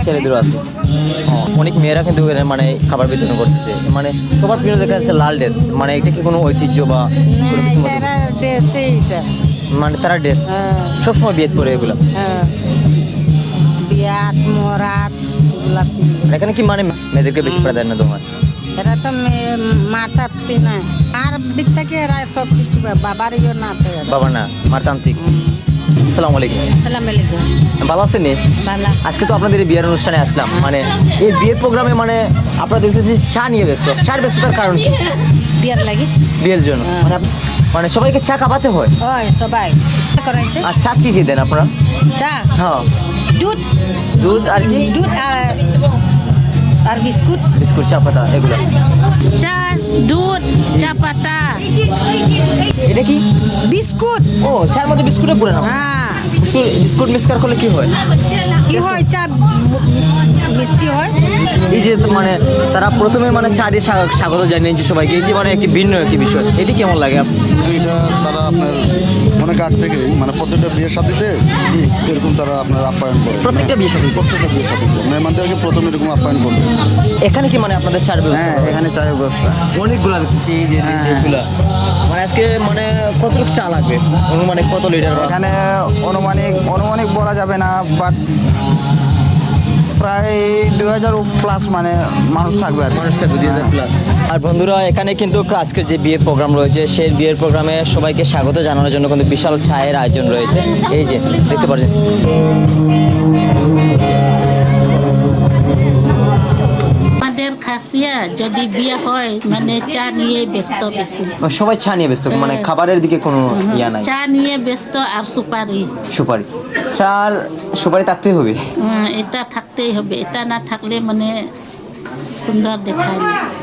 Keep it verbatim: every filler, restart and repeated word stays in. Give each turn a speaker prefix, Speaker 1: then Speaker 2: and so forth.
Speaker 1: ছেলেদেরও আছে। অনেক মেয়েরা কিন্তু মানে খাবার বিতরণ করতেছে, মানে সবার প্রিয় দেখা যাচ্ছে লাল ড্রেস, মানে এটা কি কোনো ঐতিহ্য বা কোনো কিছু মতো? মানে তারা ড্রেস সবসময় বিয়ে করে এগুলো,
Speaker 2: বিয়াত মরাত এগুলা
Speaker 1: আর এখানে কি মানে মেয়েদেরকে বেশি প্রাধান্য দেওয়া হয়?
Speaker 2: এরা তো মাথা পিটি না, আর দিক থেকে এরা সব কিছু বাবার ইয়ে না তো এরা।
Speaker 1: বাবা না, মারতান্ত্রিক। আসসালামু আলাইকুম।
Speaker 2: আসসালামু আলাইকুম।
Speaker 1: ভালো আছেন নি?
Speaker 2: ভালো।
Speaker 1: আজকে তো আপনাদের এই বিয়ের অনুষ্ঠানে আসলাম, মানে এই বিয়ের প্রোগ্রামে মানে আপনারা দেখতেছি চা নিয়ে ব্যস্ত। চার ব্যস্ততার কারণ কি?
Speaker 2: বিয়ার লাগে
Speaker 1: বিয়ের জন্য মানে আপ- মানে সবাইকে চা খাওয়াতে হয়।
Speaker 2: ওই সবাই করাইছে
Speaker 1: আর চা কি কি দেন আপনারা?
Speaker 2: চা
Speaker 1: হ্যাঁ,
Speaker 2: দুধ
Speaker 1: দুধ আর কি?
Speaker 2: দুধ আর আর বিস্কুট।
Speaker 1: বিস্কুট, চা পাতা এগুলো।
Speaker 2: চা দুধ চা পাতা
Speaker 1: এটা কি?
Speaker 2: বিস্কুট।
Speaker 1: ও, চার মধ্যে বিস্কুটে পুরে না?
Speaker 2: হ্যাঁ
Speaker 1: বিস্কুট বিস্কুট মিক্সকার করলে কি হয়?
Speaker 2: কি হয় চা মিষ্টি হয়।
Speaker 1: এই যে মানে তারা প্রথমে মানে চা দিয়ে স্বা- স্বাগত জানিয়েছে সবাইকে, এটি মানে একটি ভিন্ন একটি বিষয়। এটি কেমন লাগে আপ-
Speaker 3: এটা তারা আপনার অনেক আগ থেকে মানে প্রত্যেকটা বিয়ের সাথীতে এরকম তারা আপনার আপ্যায়ন করে।
Speaker 1: প্রত্যেকটা বিয়ের সাথীতে?
Speaker 3: প্রত্যেকটা বিয়ের সাথীতে মেহমানদেরকে প্রথমে এরকম আপ্যায়ন করবে।
Speaker 1: এখানে কি মানে আপনাদের চার ব্যবস্থা?
Speaker 4: হ্যাঁ, এখানে চায়ের ব্যবস্থা।
Speaker 1: অনেকগুলো দেখতেছি এই যে
Speaker 4: হ্যাঁ।
Speaker 1: এগুলা। মানে আজকে মানে কতটুকু চা লাগবে, অনুমানিক কত লিটার? বা-
Speaker 4: এখানে অনুমানিক অনুমানিক বলা যাবে না, বাট প্রায় দুই হাজার প্লাস মানে মানুষ থাকবে আর কি।
Speaker 1: মানুষ থাকবে দুই হাজার প্লাস। আর বন্ধুরা, এখানে কিন্তু আজকের যে বিয়ের প্রোগ্রাম রয়েছে সেই বিয়ের প্রোগ্রামে সবাইকে স্বাগত জানানোর জন্য কিন্তু বিশাল চায়ের আয়োজন রয়েছে। এই যে দেখতে পাচ্ছেন।
Speaker 5: আমাদের খাসিয়া যদি বিয়ে হয় মানে চা নিয়ে ব্যস্ত বেশি,
Speaker 1: সবাই চা নিয়ে ব্যস্ত, মানে খাবারের দিকে কোনো ইয়া নাই।
Speaker 5: চা নিয়ে ব্যস্ত আর সুপারি।
Speaker 1: সুপারি, চার সুপারি থাকতেই হবে।
Speaker 5: উম, এটা থাকতেই হবে, এটা না থাকলে মানে সুন্দর দেখায় না।